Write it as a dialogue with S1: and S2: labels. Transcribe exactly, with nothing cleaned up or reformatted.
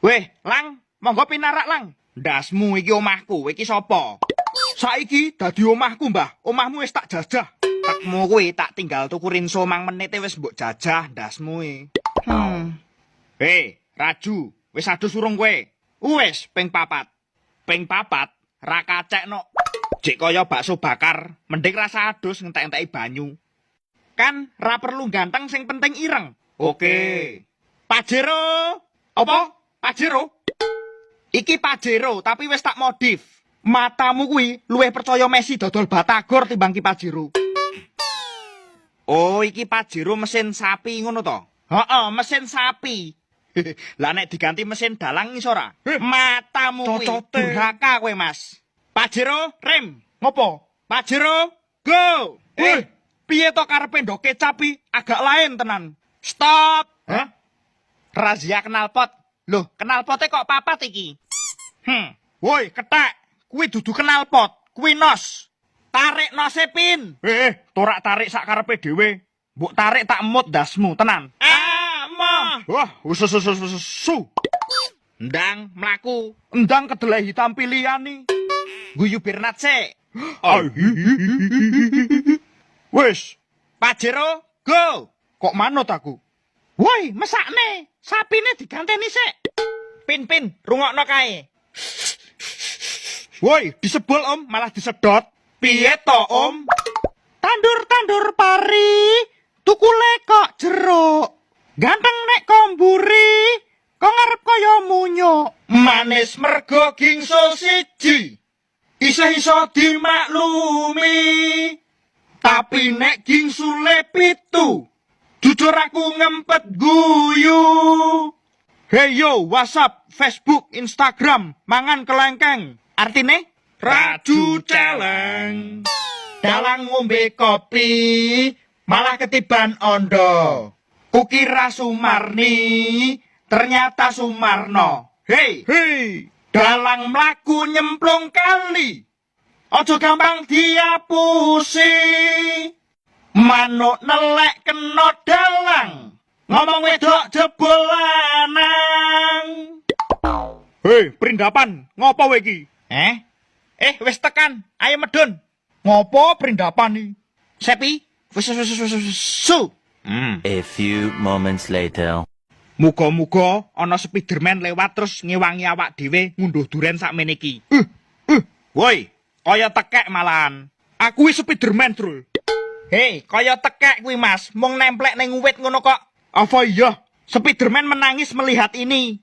S1: Weh, Lang, monggo pinarak, Lang. Ndasmu iki omahku, iki sapa? Saiki dadi omahku, Mbah. Omahmu wis tak jajah. Tekmu kuwi tak tinggal tuku rinso mang menite wis mbok jajah ndasmu e. Hmm. Hei, Raju, wis adus urung kowe? Wis ping papat. Ping papat ra kacekno. Jek kaya bakso bakar, mending rasa adus ngentek-enteki banyu. Kan ra perlu ganteng sing penting ireng. Oke. Pajero. Apa? Pajero? Iki Pajero tapi wis tak modif. Matamu kuwi luwih percaya Messi dodol Batagor timbang ki Pajero. Oh, iki Pajero mesin sapi ngono to? Heeh, mesin sapi. Lah nek diganti mesin dalang iso ora? Matamu kuwi durhaka kowe, Mas. Pajero, rem. Ngopo? Pajero, go. Eh, piye to karepe ndok kecap agak lain tenan. Stop. Hah? Razia knalpot. Loh, knalpote kok papat iki? Hmm. Woi, ketek. Kuwi dudu knalpot, kuwi nos. Tarik nose pin. Eh, torak tarik sak karepe dhewe. Mbok tarik tak emut dasmu, tenan. Ah, moh. Wah, usus usus usus. Su. Ndang mlaku, ndang kedelai hitam pilihan nih. Guyu Bernat sik. Wis, Pajero, go. Kok manut aku? Woi, mesakne. Sapine diganteni sik. Pin-pin, rungokno kae. Woi, disebul Om, malah disedot. Piye to, Om? Tandur-tandur pari, tukule kok jeruk. Ganteng nek komburi, kok ngarep kaya munyo. Manis mergo gingsul siji. Isa-isa dimaklumi. Tapi nek gingsule pitu, jujur aku ngempet guyu. Hey yo, WhatsApp, Facebook, Instagram, mangan kelengkeng. Artine? Raju celeng. Dalang ngombe kopi, malah ketiban ondo. Kukira Sumarni, ternyata Sumarno. Hei, hei. Dalang mlaku nyemplung kali. Ojo gampang diapusi. Manuk nelek kena dalang. Ngomong wedok jebol lanang. Hei, perindapan, ngopo kowe iki? Eh? Eh, wis tekan, ayo medun. Ngopo perindapan iki? Sepi, wis wis wis wis su.
S2: Hmm. A few moments later.
S1: Muga-muga ana Spiderman lewat terus ngewangi awak dhewe ngunduh duren sakmene iki. Uh, uh. Woi, kaya tekek malahan. Aku wis Spiderman, Trul. Hei, kaya tekek kuwi, Mas. Mung nemplek ning wit ngono kok. Apa iya? Spiderman menangis melihat ini.